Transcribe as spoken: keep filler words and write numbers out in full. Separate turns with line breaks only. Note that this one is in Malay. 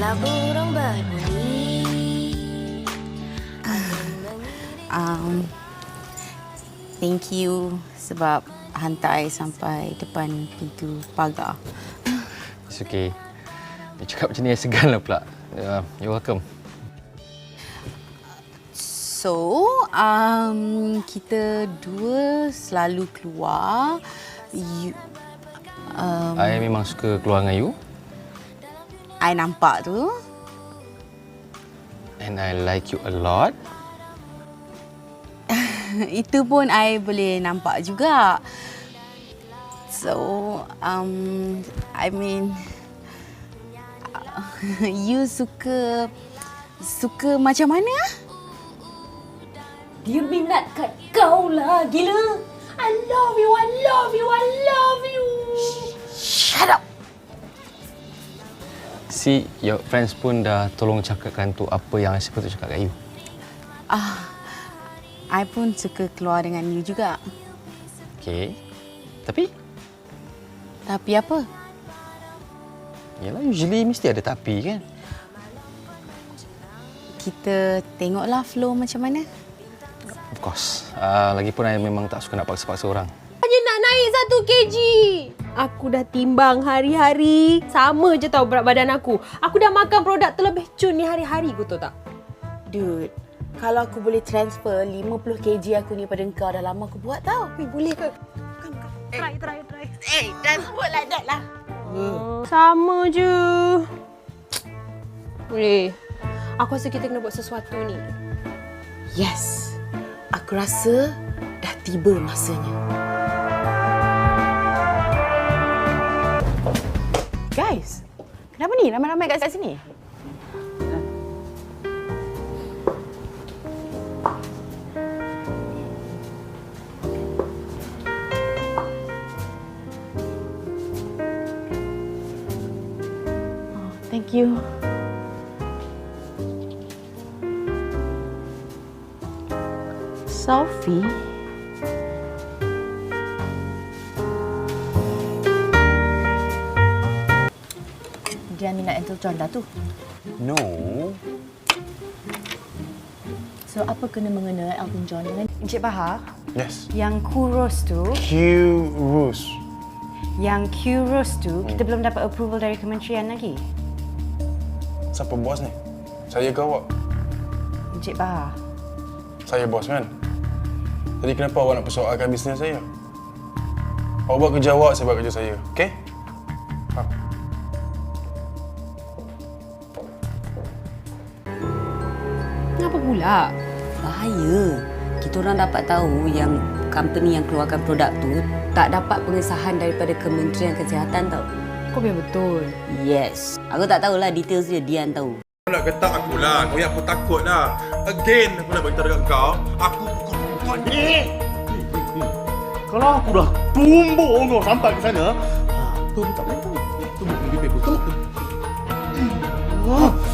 Bila burung berbunyi.
Um, thank you sebab hantar I sampai depan pintu pagar.
It's okay. Dia cakap macam ni, I segan lah pula. Uh, you're welcome.
So, um, kita dua selalu keluar. You, um,
I memang suka keluar dengan you.
I nampak tu.
And I like you a lot.
Itu pun I boleh nampak juga. So, um, I mean, you suka suka macam mana?
Dia minat kat kau lah, gila. I love you, I love you, I love you.
Shut up.
See, your friends pun dah tolong cakapkan tu apa yang I sepatutnya cakap kat you.
Ah, I pun suka keluar dengan you juga.
Okay. Tapi?
Tapi apa?
Yalah, usually mesti ada tapi kan?
Kita tengoklah flow macam mana.
Of course. Uh, lagipun I memang tak suka nak paksa-paksa orang.
Hanya nak naik satu kilogram. Aku dah timbang hari-hari. Sama je tau berat badan aku. Aku dah makan produk terlebih cun ni hari-hari, kau tahu tak?
Dude, kalau aku boleh transfer lima puluh kilogram aku ni pada engkau, dah lama aku buat tau.
Weh, boleh ke? Come, come. Try, try, try.
Eh, transport like that lah.
Hmm. Sama je. Boleh. Aku rasa kita kena buat sesuatu ni.
Yes, aku rasa dah tiba masanya. Guys, kenapa ni ramai-ramai kat sini? Oh, thank you. Sophie? Dia minat Elton John dah tu.
No.
So, apa kena-mengena Elton John dengan Encik Bahar?
Yes.
Yang Kuros tu,
Q-Rus.
yang Kuros tu, kita belum dapat approval dari kementerian lagi.
Siapa bos ni? Saya ke awak?
Encik Bahar.
Saya bos kan? Jadi kenapa awak nak persoalkan bisnes saya? Awak buat kerja awak, saya buat kerja saya. Okey? Faham?
Kenapa pula?
Bahaya. Kita orang dapat tahu yang company yang keluarkan produk tu tak dapat pengesahan daripada Kementerian Kesihatan tau.
Kau biar betul.
Yes. Aku tak tahulah details dia, Dian tahu.
Kau nak getak aku lah. Kau yang aku takut lah. Again, aku nak beritahu dekat kau. Aku bukan perempuan ni.
Kalau aku dah tumbuk kau sampai ke sana, ha, tu tak boleh tahu. Tumbuk lebih baik. Tumbuk.